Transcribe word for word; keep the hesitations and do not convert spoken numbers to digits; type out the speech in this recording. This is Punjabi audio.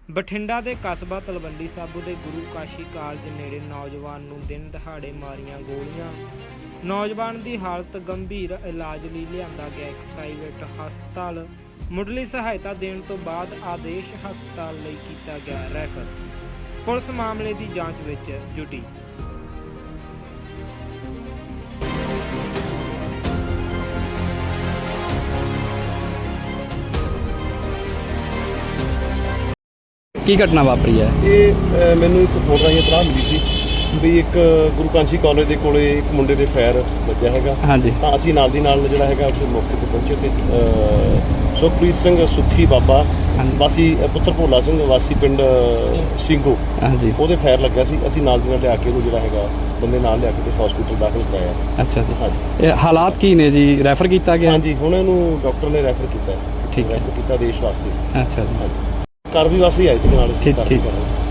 ਬਠਿੰਡਾ ਦੇ ਕਸਬਾ ਤਲਵੰਡੀ ਸਾਬੋ ਦੇ ਗੁਰੂ ਕਾਸ਼ੀ ਕਾਲਜ ਨੇੜੇ ਨੌਜਵਾਨ ਨੂੰ ਦਿਨ ਦਿਹਾੜੇ ਮਾਰੀਆਂ ਗੋਲੀਆਂ। ਨੌਜਵਾਨ ਦੀ ਹਾਲਤ ਗੰਭੀਰ, ਇਲਾਜ ਲਈ ਲਿਆਂਦਾ ਗਿਆ ਇੱਕ ਪ੍ਰਾਈਵੇਟ ਹਸਪਤਾਲ। ਮੁੱਢਲੀ ਸਹਾਇਤਾ ਦੇਣ ਤੋਂ ਬਾਅਦ ਆਦੇਸ਼ ਹਸਪਤਾਲ ਲਈ ਕੀਤਾ ਗਿਆ ਰੈਫਰ। ਪੁਲਿਸ ਮਾਮਲੇ ਦੀ ਜਾਂਚ ਵਿੱਚ ਜੁਟੀ। ਕੀ ਘਟਨਾ ਵਾਪਰੀ ਹੈ? ਇਹ ਅ, ਮੈਨੂੰ ਇੱਕ ਫੋਨ ਰਾਹੀਂ ਇਤਲਾਹ ਮਿਲੀ ਸੀ ਵੀ ਇੱਕ ਗੁਰੂ ਕਾਸ਼ੀ ਕਾਲਜ ਦੇ ਕੋਲੇ ਇੱਕ ਮੁੰਡੇ ਦੇ ਫਾਇਰ ਵੱਜਿਆ ਹੈਗਾ। ਹਾਂਜੀ। ਤਾਂ ਅਸੀਂ ਨਾਲ ਦੀ ਨਾਲ ਜਿਹੜਾ ਹੈਗਾ ਉਸ ਮੌਕੇ ਤੇ ਪਹੁੰਚੇ ਤੇ ਅ, ਸੁਖਪ੍ਰੀਤ ਸਿੰਘ ਸੁੱਖੀ ਬਾਬਾ ਵਾਸੀ ਪੁੱਤਰ ਭੋਲਾ ਸਿੰਘ ਵਾਸੀ ਪਿੰਡ ਸਿੰਘੋ, ਹਾਂਜੀ, ਉਹਦੇ ਫਾਇਰ ਲੱਗਿਆ ਸੀ। ਅਸੀਂ ਨਾਲ ਦੀ ਨਾਲ ਲਿਆ ਕੇ ਉਹਨੂੰ ਜਿਹੜਾ ਹੈਗਾ ਬੰਦੇ ਨਾਲ ਲਿਆ ਕੇ ਤੇ ਹਸਪੀਟਲ ਦਾਖਲ ਕਰਾਇਆ। ਅੱਛਾ ਜੀ। ਹਾਂਜੀ। ਇਹ ਹਾਲਾਤ ਕੀ ਨੇ ਜੀ? ਰੈਫਰ ਕੀਤਾ ਗਿਆ? ਹਾਂਜੀ, ਹੁਣ ਇਹਨੂੰ ਡਾਕਟਰ ਨੇ ਰੈਫਰ ਕੀਤਾ। ਠੀਕ ਹੈ। ਰੈਫਰ ਕੀਤਾ ਦੇਸ਼ ਵਾਸਤੇ। ਅੱਛਾ ਜੀ। ਹਾਂਜੀ, ਕਾਰਵਾਈ ਵਾਸਤੇ ਆਏ ਸੀ ਨਾਲ। ਠੀਕ ਠੀਕ।